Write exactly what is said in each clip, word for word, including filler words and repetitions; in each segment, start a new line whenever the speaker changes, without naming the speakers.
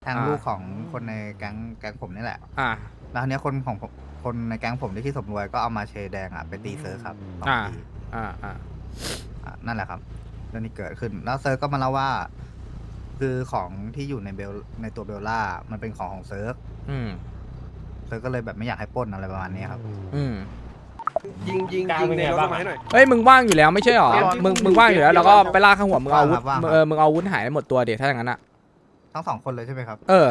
แทงลูกของคนในแก๊งแก๊งผมนี่แหละ
อ่า
แล้วทีเนี้ยคนของผมคนในแก๊งผมที่ที่อสมรวยก็เอามาเชแดงอ่ะไปตีเซิร์ฟครับสอง
อ่า
ที
อ่าอ่า
อ่ะนั่นแหละครับเรื่องนี้เกิดขึ้น แล้วเซิร์ฟก็มาเล่าว่า คือของที่อยู่ในเบลในตัวเบลล่ามันเป็นของของเซิร์ฟ
อืม
เซิร์ฟก็เลยแบบไม่อยากให้ปล้นอะไรประมาณนี้ครับ
อืม
ยิงยิงยิงในรถมาให้หน่อย
เฮ้ยมึงว่างอยู่แล้วไม่ใช่หรอ มึงมึงว่างอยู่แล้วแล้วก็ไปลากข้างหัวมึงเอาอาวุธ
ว่างครับ
เออมึงเอาอาวุธหายหมดตัวเดี๋ยวถ้าอย่างนั้นอ่ะ
ทั้งสองคนเลยใช่ไหมครับ
เออ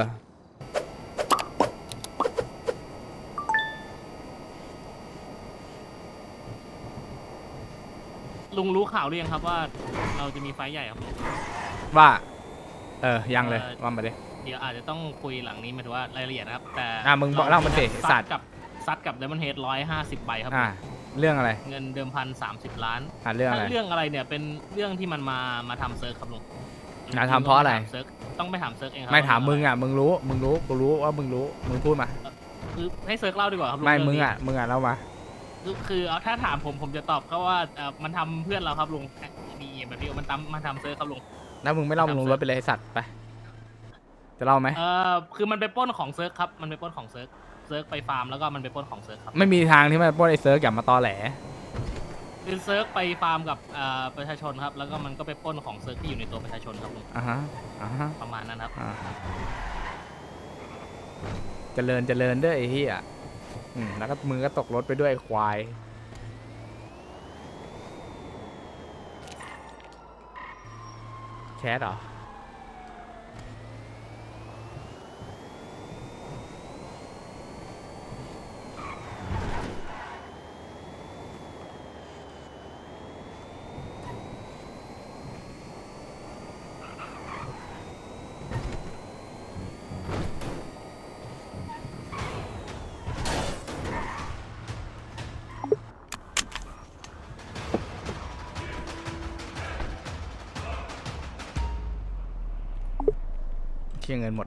ลุงรู้ข่าวหรือยังครับว่าเราจะมีไฟท์ใหญ่ครับลุง
ว่า เออ ยังเลย
เอ่อ
ว่ามาดิ
เดี๋ยวอาจจะต้องคุยหลังนี้หมายถึงว่ารายละเอียดนะครับ แต่
อ่ะมึงบอกเล่ามันสิ
ซั
สั
ด
ตว์
กับซัดกับเดมอนเฮดร้อยห้าสิบใบครับ
อ่า เรื่องอะไร
เงินเดิมพันสามสิบล้าน
อ่าเรื่องอะไร
ถ้าเรื่องอะไรเนี่ยเป็นเรื่องที่มันมามาทำเซิร์ฟครับลุง
มาทำเพราะอะไร
เซิร์ฟต้องไปถามเซิร์ฟเองครั
ไม่ถามมึงอ่ะ มึงรู้ มึงรู้ กูรู้ว่ามึงรู้ มึงพูดมา
คือให้เซิร์ฟเล่าดีกว่าครับลุง
ไม่
เรื่
มึง
นี้
อ่ะ มึงอ่ะเล่ามา
คือคือเอาถ้าถามผมผมจะตอบก็ว่าเอ่อมันทำเพื่อนเราครับลุงดีแบบนี้มันทำมันทำเซิร์ฟครับลุง
แล้วมึงไม่เล่ามึงลงรถไปเลยไอ้สัตว์ไป จะเล่าไหม
เออคือมันไปปล้นของเซิร์ฟครับมันไปปล้นของเซิร์ฟเซิร์ฟไปฟาร์มแล้วก็มันไปปล้นของเซิร์ฟครับ
ไม่มีทางที่มันปล้นไอ้เซิร์ฟอย่ามาตอแหล
คือเซิร์ฟไปฟาร์มกับเอ่อประชาชนครับแล้วก็มันก็ไปปล้นของเซิร์ฟที่อยู่ในตัวประชาชนครับลุง
อ่าฮะ อ่าฮะ
ประมาณนั้นครับ
อ่าเจริญเจริญด้วยไอ้เหี้ยอืมแล้วก็มือก็ตกรถไปด้วยไอ้ควาย แคสเหรอ เชี่ยเงินหมด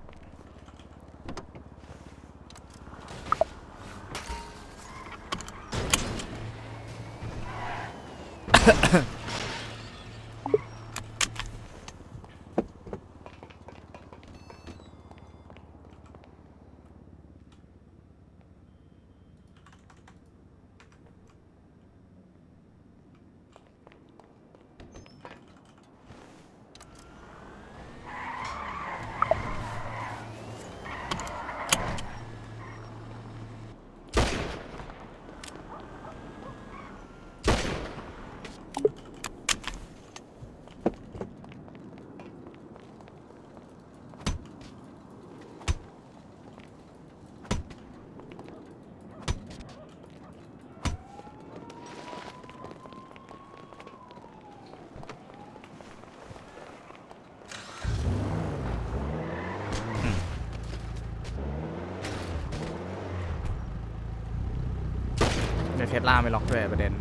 เดี๋ยวเทสลาไม่ล็อกด้วยประเด็น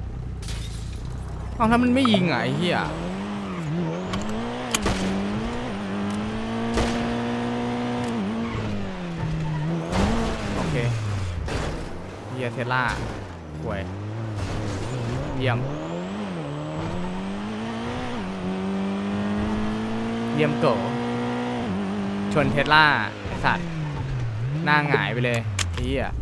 เอาถ้ามันไม่ยิงอ่ะไอ้เหี้ยโอเคเหี้ยเทสลาห่วยเยี่ยมเยี่ยมโกชนเทสลาไอ้สัตว์หน้าหงายไปเลยไอ้เหี้ย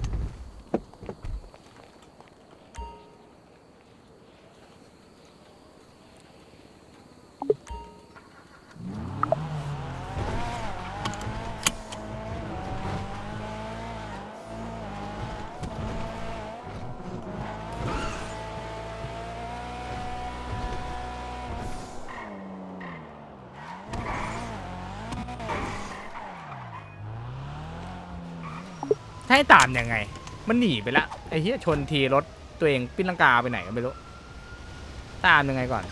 ให้ตามยังไง มันหนีไปละไอ้เหี้ยชนทีรถตัวเองปิ้นลังกาไปไหนก็ไม่รู้ ตามยังไงก่อน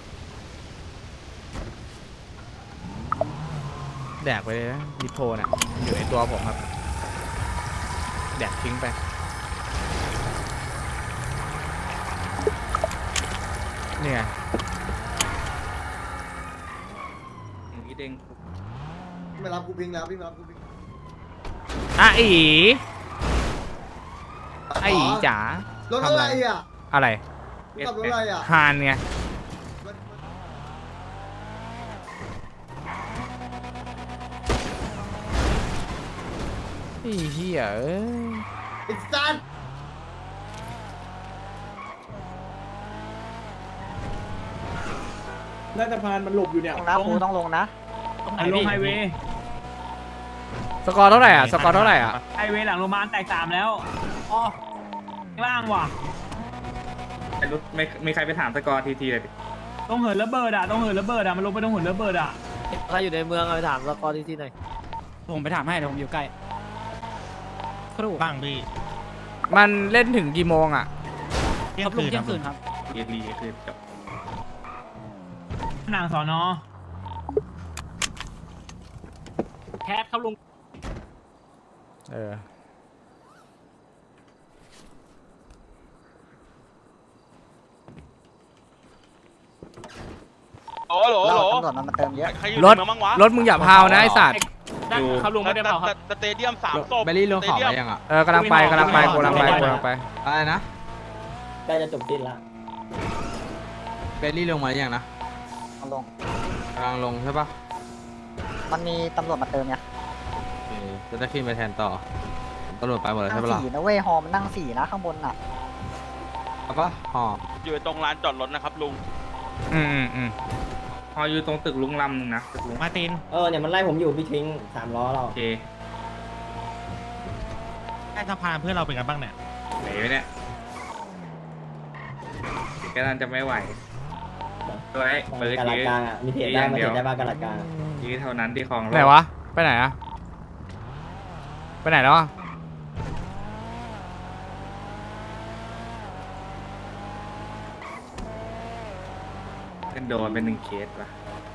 แดกไปเลยนะดิโพน่ะอยู่ในตัวผมครับ แดกทิ้งไป เนี่ยอย่างนี้เด้ง
ไม่รับกูพิงแล้วพี่ไม่รับกูพิง
อ่ะอีไอ้อีจ๋าร
ถอะไรอ่ะ
อะไร
ขับรถอะไรอ่ะ
ฮานไงไอ้เหี้ยเอ้ย
ไอ้สัตว์
น่าจะพานมันหลบอยู่เนี่ย
นะครูต้องลงนะ
ตรงไหน
ลง
พี่
ไฮเวย์
สกอร์เท่าไหร่อ่ะสกอร์เท่าไหร่อ่ะ
ไฮเวย์หลังโรงพยาบาลแตกสามแล้วอ๋อข้างล่างว่ะ
ไม่ไม่ใครไปถามสกอร์ทีทีเลยดิ
ต้องเหินระเบิดอ่ะต้องเหินระเบิดอ่ะมันลงไปต้องเหินระเบิดอ่ะ
ใครอยู่ในเมืองเอาไปถามสกอร์ที่ที่หน่อย
ผมไปถามให้เดี๋ยวผมอยู่ใกล้ครูบ้างพี่
มันเล่นถึงกี่โมงอ่ะ
เที่ยงคืนเที่ยงคืนครับ
เอรีคือจบ
นางสอนอ
แคทครับลุง
เออ
โอ้โหโหล
เราตำรวจมันมาเติมเยอะ
ใครอยู่
รถ
ในเมืองบ้างวะ
รถมึงอย่าพาวนะไอสัตว์
ได้ครับลุงไม่ได้เผาครับ
สเตเดียมสามศพ
เบลลี่ลงเขา
สเต
ไป
เดียม
ยังอ่ะ
เออกำลังไปกำลังไปกำลังไปกำลังไป
อะไรนะ
ใกล้จะจบสิ้นละ
เบลลี่ลงมายังนะ
เอาลง
กำลังลงใช่ปะ
มันมีตำรวจมาเติมไง
โอเคจะได้ขึ้นไปแทนต่อตำรวจไปหมดแล้ว
นั่
ใช่
ง
ปะล่ะ
สี่นะเว้ยฮอมันนั่งสี่นะข้างบนน่ะ
เอาปะห่อ
อยู่ตรงลานจอดรถนะครับลุง
อืมอืมอืม
ห่ออยู่ตรงตึกลุงลำนึงนะตึกลุง
มาติน
เออเนี่ยมันไล่ผมอยู่พี่ทิ้งสามล้อเรา
โอเค
ใต้สะพานเพื่อนเราเป็นกันบ้างเนี่ย
ไหนวะเนี่ยแกนั่นจะไม่ไหวตัวไอ้เปิด
กาลา
ยื้
กลางอ่ะมีเพจได้มาเพจได้บ้างกาลากลาง
ยื้อเท่านั้นที่คลอง
ไหนวะไปไหนอ่ะไปไหนแล้วอ่ะ
เป็นโดนเป็นหนึ่งเคสปะ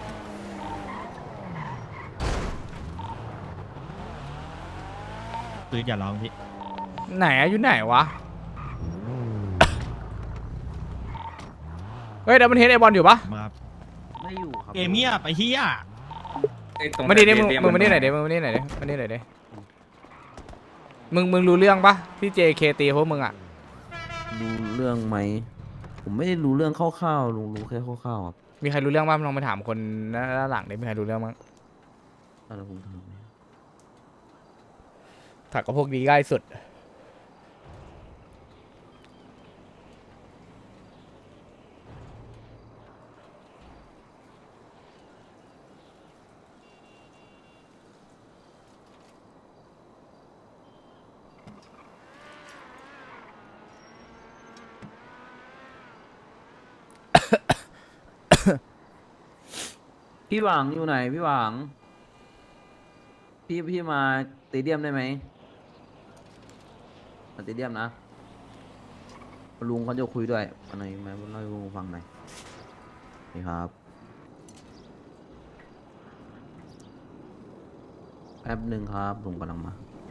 ปืนอย่าร้องพี่
ไหนอะอยู่ไหนวะเฮ้ยเดี๋ยวมันเห็นไอบอลอยู่ปะ
มาครับ
ไม่อยู่ครับ
เกมเงียบไอ้เหี้ย
มาดิดิมึงมึงมาดิไหนอยดิมึงมาดิไหนอยดิมาดิไหนอยดิมึงมึงรู้เรื่องปะที่ เจ เค ตีพวกมึงอ่ะ
รู้เรื่องไหม ผมไม่ได้รู้เรื่องคร่าวๆลุงรู้แค่คร่าวๆครับ
มีใครรู้เรื่องบ้างลองไปถามคนด้านหลังดิมีใครรู้เรื่องบ้าง
อะไรผมทำไหม
ถักกับพวกนี้ง่ายสุด
พี่หวังอยู่ไหนพี่หวัง พี่พี่มาสเตเดียมได้ไหมมาสเตเดียมนะลุงเขาจะคุยด้วยอะไรไหมเล่าให้ลุงฟังหน่อยนี่ครับแป๊บหนึ่งครับลุงกำลังมา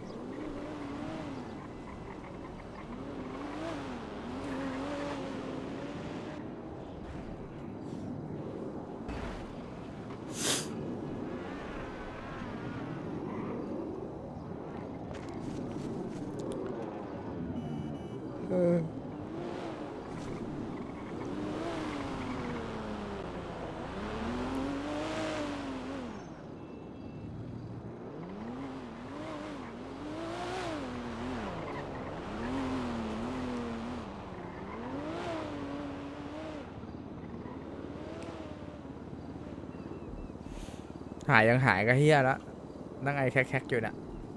หายยังหายก็เฮียแล้วนั่งไอแคกๆอยู่น่ะ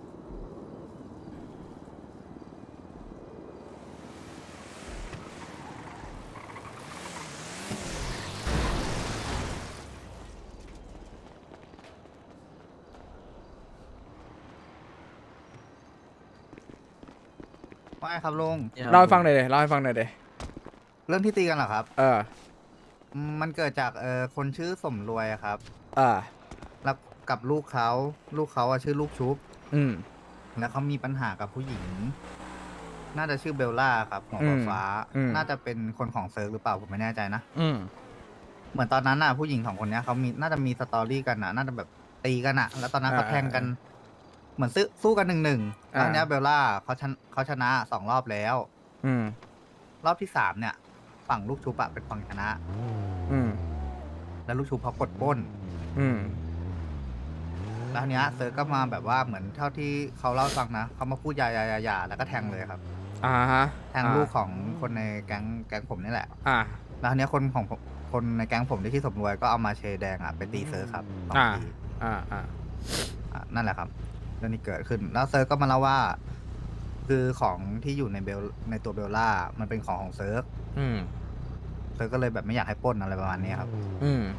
ว่าไงครับลุง
เล่าให้ฟังหน่อยเลยเล่าให้ฟังหน่อยเลย
เรื่องที่ตีกันเหรอครับ
เออ
อืมมันเกิดจากเออคนชื่อสมรวยอะครับ
เออ
แล้วกับลูกเขาลูกเขาอะชื่อลูกชุบ
อืม
แล้วเขามีปัญหากับผู้หญิง น่าจะชื่อเบลล่าครับหัว
อืม
ฟ้า
อืม
น่าจะเป็นคนของเซิร์ฟหรือเปล่าผมไม่แน่ใจนะ
อืม
เหมือนตอนนั้นน่ะผู้หญิงสองคนเนี้ยเขามีน่าจะมีสตอรี่กันน่ะ น่าจะแบบตีกันน่ะ แล้วตอนนั้นเขา
อ่า
แทงกัน เหมือนซื้อสู้กันหนึ่งหนึ่งแล้ว
อ่า
เนี้ยเบลล่าเขาชนะเขาชนะสองรอบแล้ว
อืม
รอบที่สามเนี่ย ฝั่งลูกชุบอะเป็นฝั่งชนะ
อืม
แล้วลูกชุบเขากดปล้น
อืม
แล้วทีเนี้ยเซิร์ฟก็มาแบบว่าเหมือนเท่าที่เขาเล่าให้ฟังนะเขามาพูดยายายาแล้วก็แทงเลยครับ
อ่าฮะ
แทงลูกของคนในแก๊งแก๊งผมนี่แหละ
อ่า
แล้วทีเนี้ยคนของผมคนในแก๊งผมที่ที่สมรวยก็เอามาเชแดงอ่ะไปตีเซิร์ฟครับสอง
อ่า
ที
อ่าอ่า
อ่ะนั่นแหละครับเรื่องนี้เกิดขึ้น แล้วเซิร์ฟก็มาเล่าว่า คือของที่อยู่ในเบลในตัวเบลล่ามันเป็นของของเซิร์ฟ
อืม
เซิร์ฟก็เลยแบบไม่อยากให้ปล้นอะไรประมาณนี้ครับ
อืม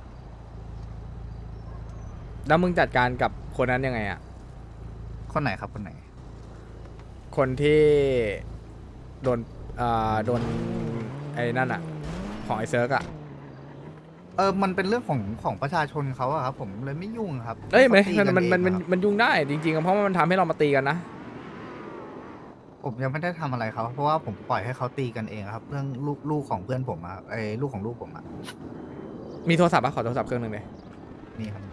แล้วมึงจัดการกับคนนั้นยังไงอ่ะ
คนไหนครับคนไหน
คนที่โดนอ่าโดนไอ้นั่นอ่ะ ของไอ้เซิร์กอ่ะ
เออมันเป็นเรื่องของของประชาชนเขาอะครับ ผมเลยไม่ยุ่งครับ
เอ้ยไม่
ขาตีกั
มันมันมัน
เองครับ
มันยุ่งได้จริงๆอะเพราะว่ามันทำให้เรามาตีกันนะ
ผมยังไม่ได้ทำอะไรเขาเพราะว่าผมปล่อยให้เขาตีกันเองครับ เรื่องลูกลูกของเพื่อนผมอะไอ้ลูกของลูกผมอะ
มีโทรศัพท์ปะขอโทรศัพท์เครื่องหนึ่งเลย
นี่ครับ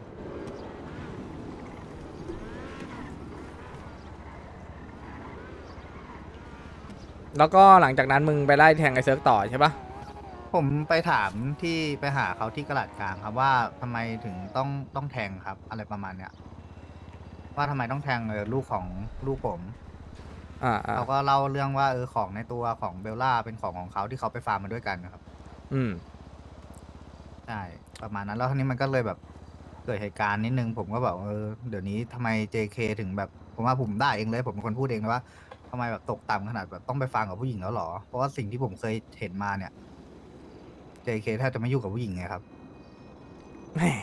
แล้วก็หลังจากนั้นมึงไปไล่แทงไอ้เซิร์กต่อใช่ปะ
ผมไปถามที่ไปหาเขาที่กระดาษกลางครับว่าทำไมถึงต้องต้องแทงครับ อะไรประมาณเนี้ยว่าทำไมต้องแทงเออลูกของลูกผม
อ่าอ่า
เขาก็เล่าเรื่องว่าเออของในตัวของเบลล่าเป็นของของเขาที่เขาไปฟาร์มมาด้วยกันนะครับ
อืม
ใช่ประมาณนั้นแล้วทีนี้มันก็เลยแบบเกิดเหตุการณ์นิดนึงผมก็แบบเออเดี๋ยวนี้ทำไม เจ เค ถึงแบบผมว่าผมได้เองเลย ผมเป็นคนพูดเองนะว่าทำไมแบบตกต่ำขนาดแบบต้องไปฟังกับผู้หญิงแล้วหรอ เพราะว่าสิ่งที่ผมเคยเห็นมาเนี่ย เจ เค แทบจะไม่ยุ่งกับผู้หญิงไงครับ
แหม่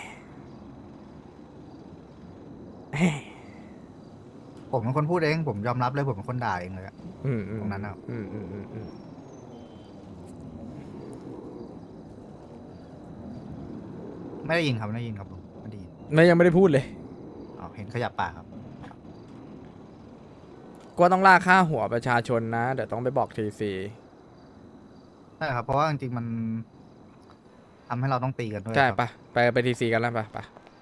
แหม่
ผมเป็นคนพูดเองผมยอมรับเลยผมเป็นคนด่าเองเลยอะ
อืมอืม
ตรงนั้นอะ
อืมอืมอืมอืม
ไม่ได้ยินครับไม่ได้ยินครับผมไม่ได้ยิน
ไม่ยังไม่ได้พูดเลย
อ๋อเห็นขยับปากครับ
ก็ต้องล่าค่าหัวประชาชนนะ เดี๋ยวต้องไปบอกทีซี
ใช่ครับ เพราะว่าจริงๆมันทำให้เราต้องตีกันด้วย
ใช่
ครับ
ปะไปไปทีซีกันแล้วปะปะ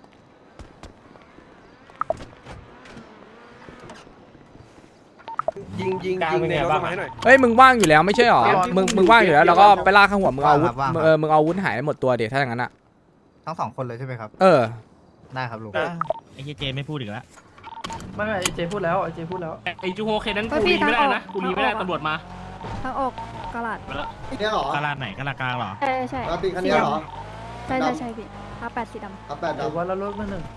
ยิงยิงยิงในรถมาให้หน่อย
เฮ้ยมึงว่างอยู่แล้วไม่ใช่หรอ มึงมึงว่างอยู่แล้วแล้วก็ไปล่าค่าหัวมึงเอาอาวุธ
ว่างครับ
เออมึงเอาอาวุธหายหมดตัวเดี๋ยวถ้าอย่างนั้นอ่ะ
ทั้งสองคนเลยใช่ไหมครับ
เออ
ได้ครับลุง
ไอ้เจไม่พูดอีกแล้ว
ไม่ไม่เจพูดแล้วเจพูดแล้ว
ไอ้จูโฮเคนั้นกูรีไม่ได้นะกูรีไม่ได้ตำรวจมา
ทางออกกระดาษ
ไปแล้ว
เนี่ยเหรอก
าลาดไหนกาลาดกลางเหรอ
ใช่ใช่
เราตีคันนี้เหรอ
ใช่ใช่ใช่พี่อาแปดสีด
ครับแปด
หรือ
ดำ
ว่าเราลดมาหนึ่ง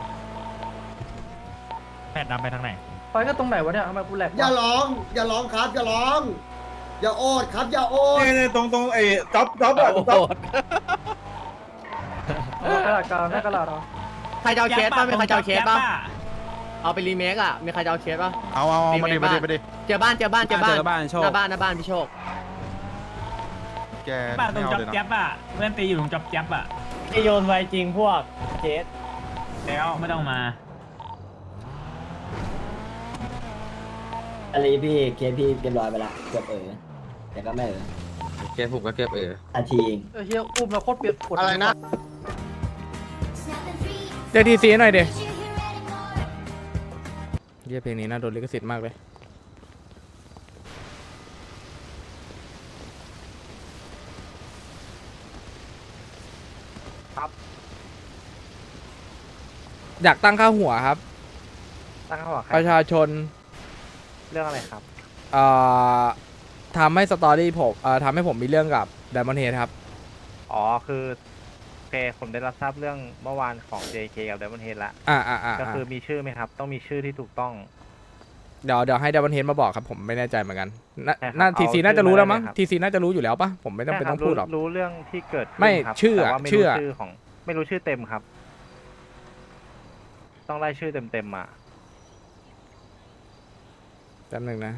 แพทย์ดำไปทางไหน
ไปก็ตรงไหนวะเนี่ยทำไมกูแหลกวะ
อย่าร้อง อย่าร้องครับ อย่าร้อง อย่าโอดครับ อย่าโอด
ตรงตรงไอ้จ๊อบจ๊อบอะจ๊อบ
เออกระดาษกลางหน้ากระดาษเหรอ
ใครจะเอาเคสป่ะมีใครจะเอาเคสป่ะเอาไปรีเมคอ่ะมีใครจะเอาเคสป่ะ
เอาเอาเอามาดิมาดิมาดิ
เจอบ้านเจอบ้านเจอบ้าน
เจอบ้านโชค
หน้าบ้านหน้าบ้านพี่โชค
แก
ป้าตร
ไม่
ง
เอา
จับ
เลยนะ
แจ๊บอ่ะเพื่อนตีอยู่ตรงจับแจ๊บอ่ะ
ไอโยนไวจริงพวกเคส
แล้วไม่ต้องมา
อะไรพี่เคสพี่เรียบร้อยไปละเกือบเออแต่ก็ไม่เออ
เก็บผมก็เก็บเออ
อาทีเอง
เออเฮียอุ้มแล้วโคตรเปียกปวด
อะไรนะ
เดี๋ยวทีซีหน่อยเดี๋ยวเยี่ยเพลงนี้น่าโดนลิขสิทธิ์มากเลย
ครับ
อยากตั้งค่าหัวครับ
ตั้งเขาบอกใคร
ประชาชน
เรื่องอะไรครับ
เอ่อทำให้สตอรี่ผมเอ่อทำให้ผมมีเรื่องกับไดมอนเฮดครับ
อ๋อคือโอเคผมได้รับทราบเรื่องเมื่อวานของ เจ เค กับ Diamond Head ละ
อ่าอ่าอ่า
ก็คือมีชื่อไหมครับ ต้องมีชื่อที่ถูกต้อง
เดี๋ยวเดี๋ยวให้ไดมอนเฮดมาบอกครับผมไม่แน่ใจเหมือนกันน่า
ใช่ครับ
น่า
เอา
ทีซี
ชื่อ
น่าจะรู้แล้วมั้ง
มาได้เลยครับ
ทีซีน่าจะรู้อยู่แล้วปะผมไม่ต้องเป็นต้องพูดหรอก
รู้เรื่องที่เกิดขึ้น
ไม่
ครับ
ชื่ออะ
แต่ว่าไม่
ชื่
รู้
ออะ
ชื่อของไม่รู้ชื่อเต็มครับ ต้องไล่ชื่อเต็มๆมา
แป๊บหนึงนะ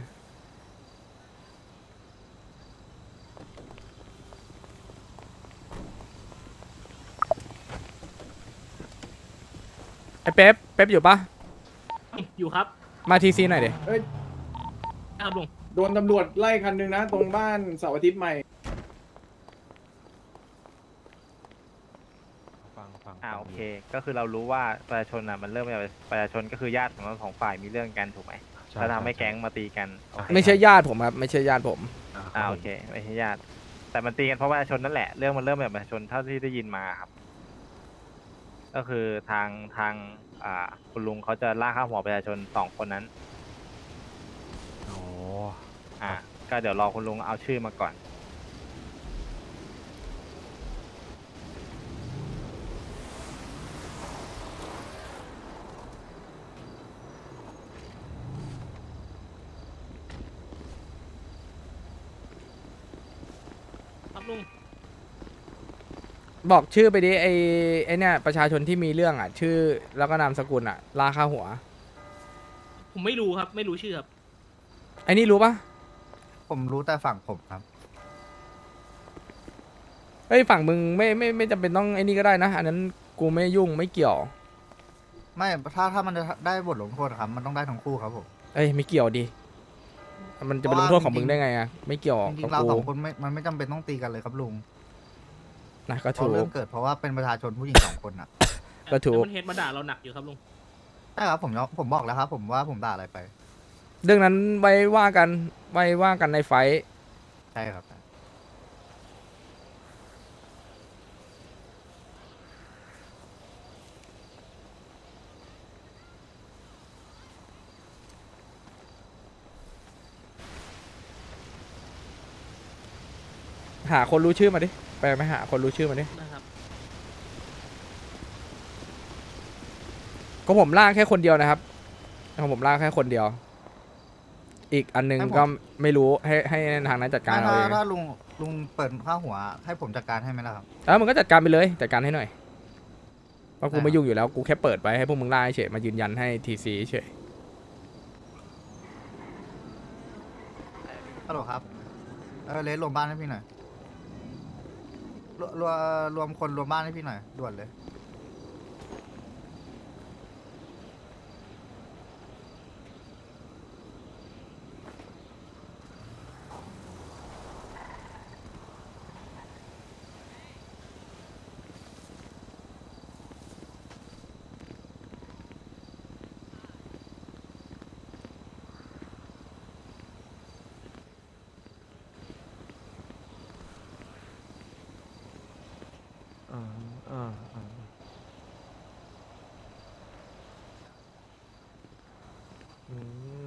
ไอเป๊ปเป๊ปอยู่ปะ
อยู่ครับ
มาทีซีหน่อยดิ
ครับลุง
โดนตำรวจไล่คันหนึ่งนะ ตรงบ้านเสาร์อาทิตย์ใหม่
ฟังฟัง
อ่าโอเค ก็คือเรารู้ว่าประชาชนอ่ะมันเริ่มมาจากประชาชนก็คือญาติของทั้งสองฝ่ายมีเรื่องกันถูกไหมแล้วทำให้แก๊งมาตีกันโอเค
ไม่ใช่ญาติผมครับไม่ใช่ญาติผม
อ่าโอเคไม่ใช่ญาติแต่มันตีกันเพราะประชาชนนั่นแหละเรื่องมันเริ่มมาจากประชาชนเท่าที่ได้ยินมาครับ ก็คือทางทางอ่า คุณลุงเขาจะล่าค่าหัวประชาชนสองคนนั้น
โอ้
อ่า ก็เดี๋ยวรอคุณลุงเอาชื่อมาก่อน
ครับลุง
บอกชื่อไปดิไอไอเนี่ยประชาชนที่มีเรื่องอ่ะ ชื่อแล้วก็นามสกุลอ่ะลาค่าหัว
ผมไม่รู้ครับ ไม่รู้ชื่อครับ
ไอนี่รู้ปะ
ผมรู้แต่ฝั่งผมครับ
เฮ้ยฝั่งมึงไม่ไม่ไม่จำเป็นต้องไอนี่ก็ได้นะ อันนั้นกูไม่ยุ่งไม่เกี่ยว
ไม่ถ้าถ้ามันจะได้บทลงโทษครับ มันต้องได้ทั้งคู่ครับผม
เอ้ยไม่เกี่ยวดิมันจะเป็นลงโทษของมึงได้ไงอ่ะไม่เกี่ยว
จริ
กับ
งๆเรา
กู
สองคนไม่มันไม่จำเป็นต้องตีกันเลยครับลุง
นะก็
เพ
ถู
ราะ
ก
เรื่องเกิดเพราะว่าเป็นประชาชนผู้หญิงสองคนอ่ะ
ก็ถูก
มันเฮดมาด่าเราหนักอยู่ครับลุง
ใช่ครับผมยอมผมบอกแล้วครับ ผมว่าผมด่าอะไรไป
เรื่องนั้นไว้ว่ากันไว้ว่ากันในไฟท์
ใช่ครับ
หาคนรู้ชื่อมาดิไปไหมหาคนรู้ชื่อมาดิ
นะครับ
ก็ผมล่าแค่คนเดียวนะครับของผมล่าแค่คนเดียว อีกอันหนึงก็ไม่รู้ให้ให้ทางนั้นจัดการ
ถ้า
เอาเอง
ถ้าลุงลุงเปิดข้าหัว ให้ผมจัดการให้ไหมล่ะครับ
แล้วมึงก็จัดการไปเลยจัดการให้หน่อยเพราะกู
ได้ครับ
ไม่ยุ่งอยู่แล้วกูแค่เปิดไว้ให้พวกมึงล่าเฉยมายืนยันให้ทีซีเฉย
ฮัลโหลครับ เออเลสรวมบ้านให้พี่หน่อยรวรวมรวมคนรวมบ้านให้พี่หน่อยด่วนเลย
อ่าอ่าอ่าอืม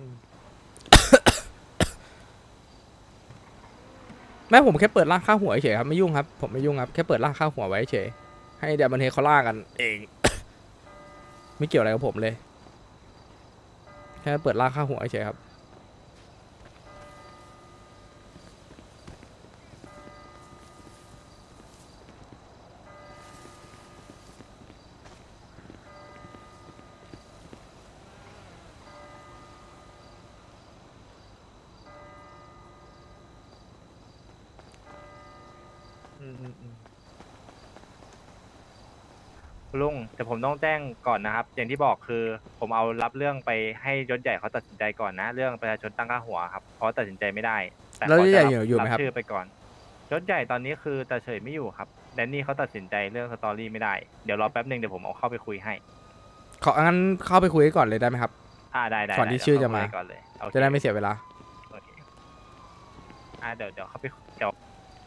แม่ผมแค่เปิดล่าค่าหัวเฉยครับไม่ยุ่งครับผมไม่ยุ่งครับแค่เปิดล่าค่าหัวไว้เฉยให้เดี๋ยวมันเฮเขาล่ากันเอง ไม่เกี่ยวอะไรกับผมเลยแค่เปิดล่าค่าหัวเฉยครับ
อืมอืมอืม
ลุงแต่ผมต้องแจ้งก่อนนะครับ อย่างที่บอกคือ ผมเอารับเรื่องไปให้ยศใหญ่เขาตัดสินใจก่อนนะ เรื่องประชาชนตั้งค่าหัวครับเพราะตัดสินใจไม่ได้ แต่
แล้ว
เขา
ยศใหญ่
จะ
อยู่อยู่ไหมครับ
รับชื่อไปก่อนยศใหญ่ตอนนี้คือตาเฉยไม่อยู่ครับแดนนี่เขาตัดสินใจเรื่องสตอรี่ไม่ได้เดี๋ยวรอแป๊บหนึ่งเดี๋ยวผมเอาเข้าไปคุยให้
ของั้นเข้าไปคุยกันก่อนเลยได้ไหมครับ
อ่าได้ได้
ก่อนที่
ได้
ชื่อ
เดี๋
จะ
ยว
มา
เข้คุยก่อนเลยโอเค
จะได้ไม่เสียเวลา
โอเคอ่าเดี๋ยวเดี๋ยวเข้าไปเดี๋ยว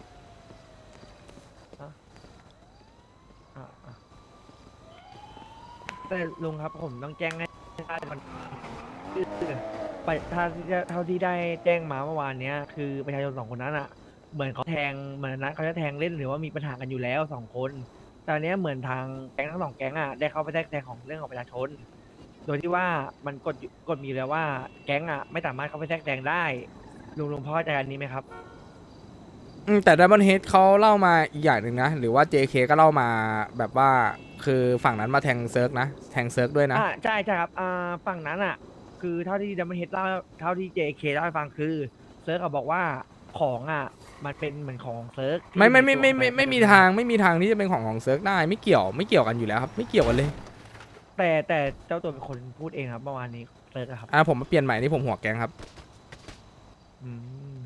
อ่าอ่าแต่ลุงครับผมต้องแจ้งให้ได้มันไปถ้าเท่าที่ได้แจ้งมาเมื่อวานเนี้ยคือประชาชนสองคนนั้นอ่ะ เหมือนเขาแทงเหมือนนัดเขาจะแทงเล่นหรือว่ามีปัญหากันอยู่แล้วสองคนแต่อันเนี้ยเหมือนทางแก๊งทั้งสองแก๊งอ่ะได้เข้าไปแทรกแซงของเรื่องของประชาชน โดยที่ว่ามันกฎอยู่กฎมีอยู่แล้วว่าแก๊งอ่ะไม่สามารถเข้าไปแทรกแซงได้ลุงลุงพอเข้าใจอันนี้ไหมครับ
อืมแต่ Diamond Head เขาเล่ามาอีกอย่างหนึ่งนะ หรือว่า เจ เค ก็เล่ามาแบบว่าคือฝั่งนั้นมาแทงเซิร์กนะ แทงเซิร์กด้วยนะ
อ่าใช่ใช่ครับอ่าฝั่งนั้นอ่ะ คือเท่าที่ดัมเบิลเฮดเล่าเท่าที่ เจ เค เล่าให้ฟังคือเซิร์กอะบอกว่าของอ่ะมันเป็นเหมือนของเซิร์กที่
ไม่ไม่ไม่ไม่
ตัว
ไม่
ป
ไม่มีทางไม่มีทางที่จะเป็นของของเซิร์กได้ไม่เกี่ยวไม่เกี่ยวกันอยู่แล้วครับ ไม่เกี่ยวกันเลย
แต่แต่เจ้าตัวเป็นคนพูดเองครับเมื่อวานนี้เซิร์กอะครับ
อ่าผมมาเปลี่ยนใหม่นี่ผมหัวแกงครับ
อืม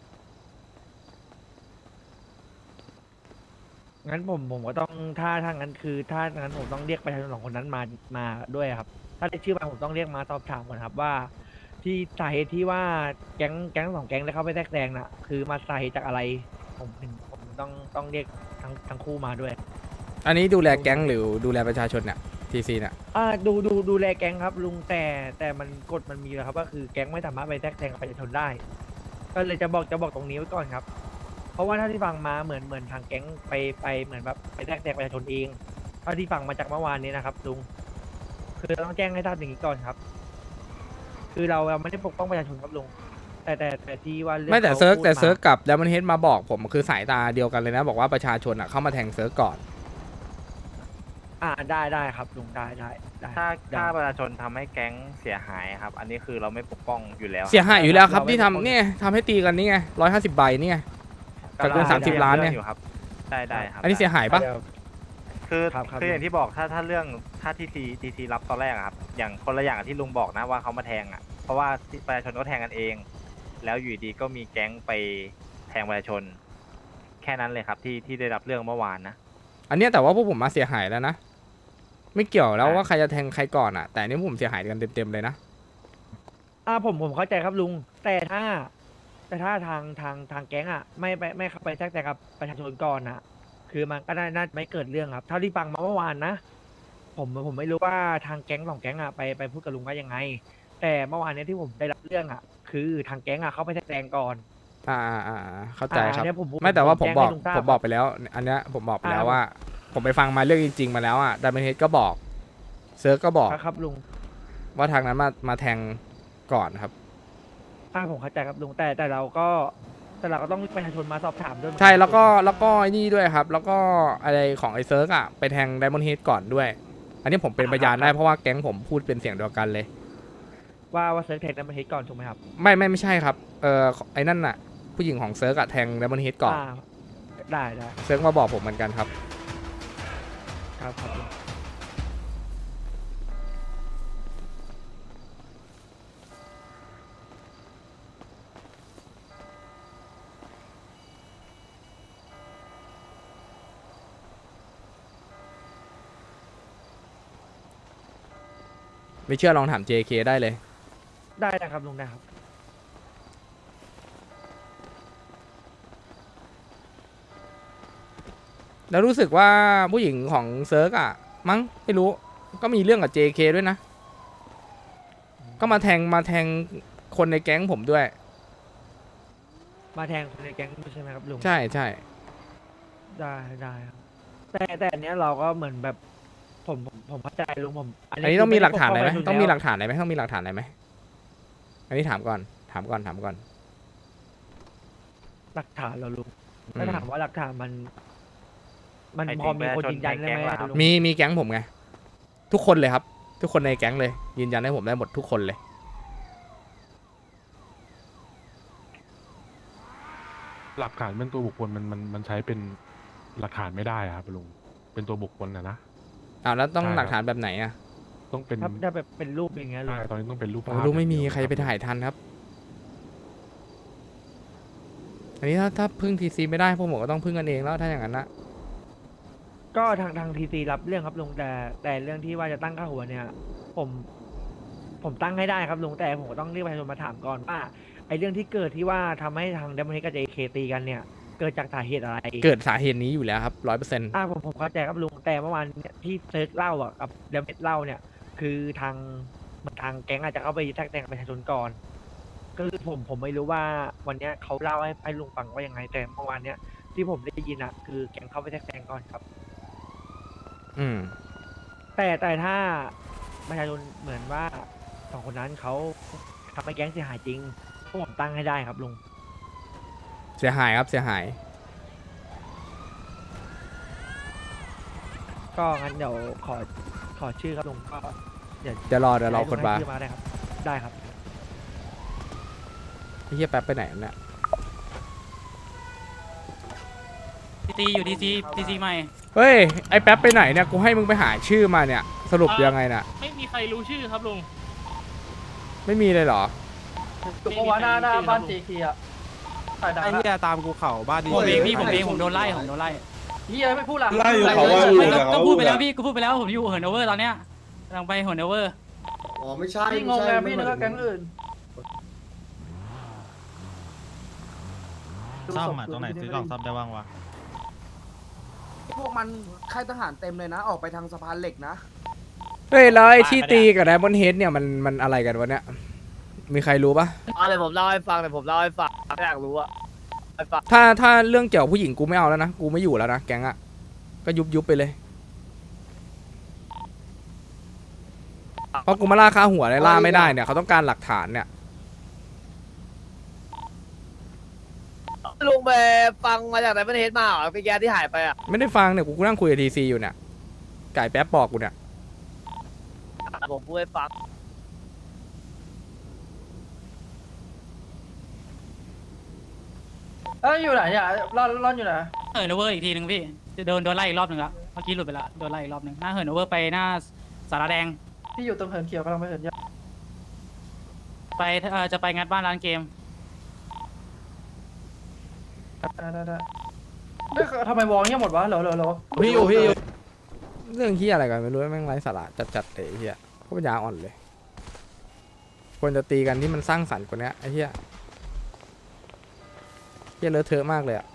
งั้นผมผมก็ต้องถ้าถ้างั้นคือ ถ้างั้นผมต้องเรียกประชาชนสองคนนั้นมามาด้วยครับ ถ้าได้ชื่อมาผมต้องเรียกมาสอบถามก่อนครับว่า ที่สาเหตุที่ว่าแก๊งแก๊งสองแก๊งได้เข้าไปแทรกแซงน่ะ คือมาสาเหตุจากอะไร ผมถึงผมต้องต้องเรียกทั้งทั้งคู่มาด้วย
อันนี้ดูแลแก๊งหรือดูแลประชาชนเนี่ยทีซีเนี่ย
อ่าดูดูดูแลแก๊งครับลุงแต่แต่มันกฎมันมีแล้วครับก็คือแก๊งไม่สามารถไปแทรกแซงกับประชาชนได้ ก็เลยจะบอกจะบอกตรงนี้ไว้ก่อนครับ เพราะว่าถ้าที่ฟังมาเหมือนเหมือนทางแก๊งไปไปเหมือนแบบไปแทรกแซงประชาชนเองเท่าที่ฟังมาจากเมื่อวานนี้นะครับลุงคือเราต้องแจ้งให้ทราบอย่างนี้ก่อนครับ คือเราเราไม่ได้ปกป้องประชาชนครับลุงแต่แต่แต่ที่ว่ารื่อง
ไม่แต่
ขา
เซิร์ก
พูด
แต่
มา
เซิร์กกับดัมเบิลเฮดมาบอกผมคือสายตาเดียวกันเลยนะ บอกว่าประชาชนอ่ะเข้ามาแทงเซิร์กก่อน
อ่าได้ได้ครับลุงได้ได้ได้
ถ้า
ได้
ถ้าประชาชนทำให้แก๊งเสียหายครับ อันนี้คือเราไม่ปกป้องอยู่แล้ว
เสียหายอยู่แล้วครับ
เราไม่
ที่
ปกป้อง
ทำเนี่ยทำให้ตีกันนี่ไงร้อยห้าสิบใบนี่ไง กับเงินสามสิบล้านเนี่ย
อยู่ครับได้ได้ครับ
อันนี้เสียหายปะ
เดี๋ยว
คือ
ครับครับ
คืออย่างที่บอกถ้าถ้าเรื่องถ้าทีซีทีซีรับตอนแรกอะครับ อย่างคนละอย่างกับที่ลุงบอกนะว่าเขามาแทงอ่ะ เพราะว่าประชาชนก็แทงกันเอง แล้วอยู่ดีก็มีแก๊งไปแทงประชาชน แค่นั้นเลยครับที่ที่ได้รับเรื่องเมื่อวานนะ
อันเนี้ยแต่ว่าพวกผมมาเสียหายแล้วนะ ไม่เกี่ยวแล้ว
อ่ะ
ว่าใครจะแทงใครก่อนอ่ะ แต่อันนี้ผมเสียหายกันเต็มๆเลยนะ
อ่าผมผมเข้าใจครับลุง แต่ถ้า แต่ถ้าทางทางทางแก๊งอ่ะไม่ไปไม่เข้าไปแทรกแซงกับประชาชนก่อนอ่ะ คือมันก็น่าน่าไม่เกิดเรื่องครับเท่าที่ฟังมาเมื่อวานนะ ผมผมไม่รู้ว่าทางแก๊งสองแก๊งอ่ะไปไปพูดกับลุงว่ายังไง แต่เมื่อวานเนี้ยที่ผมได้รับเรื่องอ่ะ คือทางแก๊งอ่ะเข้าไปแทรกแซงก่อน
อ่าอ่าอ่าเข้าใจครับ
อ่าอันเนี้ยผมผม
ไม่แต่ว่าผม
ผม
บอก
แจ้งให้ลุงทราบ
ผมบอกไปแล้ว อันเนี้ยผมบอกไปแล้ว
อ่า
ว่า ผมไปฟังมาเรื่องจริง ๆ มาแล้วอ่ะดัมเบิลเฮดก็บอกเซิร์กก็บอก
ครับครับลุง
ว่าทางนั้นมามาแทงก่อนครับ
อ่าผมเข้าใจครับลุงแต่แต่เราก็แต่เราก็ต้องเรียกประชาชนมาสอบถามด้วยเหมือนน
ใช่แล้วก็แล้วก็ไอ้นี่ด้วยครับ แล้วก็อะไรของไอ้เซิร์กอ่ะไปแทงไดมอนด์เฮดก่อนด้วย อันนี้ผมเป็นพยานได้เพราะว่าแก๊งผมพูดเป็นเสียงเดียวกันเลย
ว่าว่าเซิร์ฟแทงนั้นมาเฮดก่อนถูกไหมครับ
ไม่ไม่ไม่ใช่ครับเออไอ้นั่นน่ะผู้หญิงของเซิร์กอะแทงไดมอนด์เฮดก่อน
อ่าได้ได้
เซิร์กมาบอกผมเหมือนกันครับ
ครับครับลุง
ไม่เชื่อลองถาม เจ เค ได้เลย
ได้นะครับลุงได้ครับ
แล้วรู้สึกว่าผู้หญิงของเซิร์กอะมั้งไม่รู้ก็มีเรื่องกับ เจ เค ด้วยนะ ก็มาแทงมาแทงคนในแก๊งผมด้วย
มาแทงคนในแก๊งด้วยใช่ไหมครับลุง
ใช่ใช่
ได้ได้ครับแต่แต่อันเนี้ยเราก็เหมือนแบบผมผมผมเข้าใจลุงผม
อันนี้ต้องมีหลักฐานอะไรไหม
คื
ต้องมีหลั
ก
กฐานอะไรไหมต้องมีหลักฐานอะไรไหมอันนี้ถามก่อนถามก่อนถามก่อน
หลักฐานเราลุง
อืม
ถ้าถามว่าหลักฐานมัน มัน
ไอ้
พอมี
จริง
คนยืนยันได้ไหม
ประชาชนในแก๊งเหรอครับ
ลุง
มีมีแก๊งผมไงทุกคนเลยครับ ทุกคนในแก๊งเลย ยืนยันให้ผมได้หมดทุกคนเลย
หลักฐานเป็นตัวบุคคลมันมันมันใช้เป็นหลักฐานไม่ได้อะครับลุงเป็นตัวบุคคลนะนะ
อ้าวแล้วต้อง
ใช่ครับ
หลักฐานแบบไหนอ่ะ
ต้องเป็น
ถ้าถ้าแบบเป็นรูปอย่างเงี้ยลุ
ใช่
ง
ตอนนี้ต้องเป็นรูป
โอ้
ภาพ
ลูกไม่มี
อย่างเดียว
ใครไป
บ
ถ่ายทันครับ อันนี้ถ้าถ้าพึ่งทีซีไม่ได้พวกผมก็ต้องพึ่งกันเองแล้วถ้าอย่างนั้นนะ
ก็ทางทางทีซีรับเรื่องครับลุงแต่แต่เรื่องที่ว่าจะตั้งค่าหัวเนี่ย ผม ผมตั้งให้ได้ครับลุงแต่ผมก็ต้องเรียกประชาชนมาถามก่อนว่าไอ้เรื่องที่เกิดที่ว่าทำให้ทางเดมอนกับเจเคตีกันเนี่ย เกิดจากสาเหตุอะไร
เกิดสาเหตุนี้อยู่แล้วครับร้อยเปอร์เซ็นต์
อ่าผมผมเข้าใจครับลุงแต่เมื่อวานเนี่ยที่เซิร์ชเล่าอ่ะกับเดมเมเล่าเนี่ย คือทางทางแก๊งอาจจะเข้าไปแทรกแซงประชาชนก่อน ก็คือผมผมไม่รู้ว่าวันเนี้ยเขาเล่าให้ให้ลุงฟังว่ายังไงแต่เมื่อวานเนี้ยที่ผมได้ยินอ่ะคือแก๊งเข้าไปแทรกแซงก่อนครับ
อืม
แต่แต่ถ้าประชาชนเหมือนว่าสองคนนั้นเขาทำให้แก๊งเสียหายจริงพวกผมตั้งให้ได้ครับลุง
เสียหายครับเสียหาย
ก็งั้นเดี๋ยวขอขอชื่อครับลุงก็เดี๋ยว
เดี๋ยวรอเดี๋ยวรอคนมา
ให้ลุงให้ชื่อมาได้ครับ ได้ครับ
ไอ้เฮียแป๊บไปไหนเนี่ย
ทีซีอยู่ทีซีทีซีใหม่
เฮ้ยไอ้แป๊บไปไหนเนี่ยกูให้มึงไปหาชื่อมาเนี่ยสรุปยังไงน่ะ
ไม่มีใครรู้ชื่อครับลุง
ไม่มีเลยเหรอ
เพราะว่าหน้าหน้าบ้านเจคี
ไอ้เหี้ยตามกูเข่าบ้านดี
ผมเองพี่ผมเองผมโดนไล่ผมโดนไล่
เหี้ยไม่พูดละ
ไล่อยู่เขาว่าอยู่
ไม่
แต่
ก็
เขา
พูดไปแล้วพี่ก็พูดไปแล้วผมอยู่เหินโอเวอร์ตอนเนี้ยกำลังไปเหินโอเวอร์
อ๋อไม่ใช่
พี่งงไงพี่นึกว่าแก๊งอื่น
ซ่อมอ่ะตรงไหนซื้อกล่องซ่อมได้บ้างวะ
พวกมันค่ายทหารเต็มเลยนะ ออกไปทางสะพานเหล็กนะ
เฮ้ยแล้วไอ้ที่ตีกับไดมอนด์เฮดเนี่ยมันมันอะไรกันวะเนี่ยมีใครรู้ปะ
เอาเลยผมเล่าให้ฟังเลยผมเล่าให้ฟังอยากรู้อะให้ฟัง
ถ้าถ้าเรื่องเกี่ยวกับผู้หญิงกูไม่เอาแล้วนะกูไม่อยู่แล้วนะแก๊งอะก็ยุบยุบไปเลยเพราะกูมาล่าค่าหัวเลยล่าไม่ได้เนี่ยเขาต้องการหลักฐานเนี่ย
ลุงไปฟังมาจากไหนประเทศมาเหรอพี่แกที่หายไปอะ
ไม่ได้ฟังเนี่ยกูนั่งคุยกับทีซีอยู่เนี่ยไก่แป๊บบอกกูเนี่ย
ผมพูดให้ฟัง
เอ้ยอยู่ไหนเนี่ยร่อนร่อนอยู่ไหน
เหินโอเวอร์อีกทีหนึ่งพี่จะโดนโดนไล่อีกรอบหนึ่งละเมื่อกี้หลุดไปละโดนไล่อีกรอบหนึ่งหน้าเหินโอเวอร์ไปหน้าสาราแดง
พี่อยู่ตรงเหินเขียวกำลังไปเหินยา
ไปเอ่อจะไปงัดบ้านร้านเกม
ได้ได้ได้เฮ้ยทำไมวองเงี้ยหมดวะเหรอเหรอเหรอ
พี่อยู่พี่อยู่
เรื่องที่อะไรกันไม่รู้แม่งไร้สาระจัดๆเลยไอ้เฮียก็ปัญญาอ่อนเลยควรจะตีกันที่มันสร้างสรรค์กว่านี้ไอ้เฮียเฮียเลอะเทอะมากเลยอะ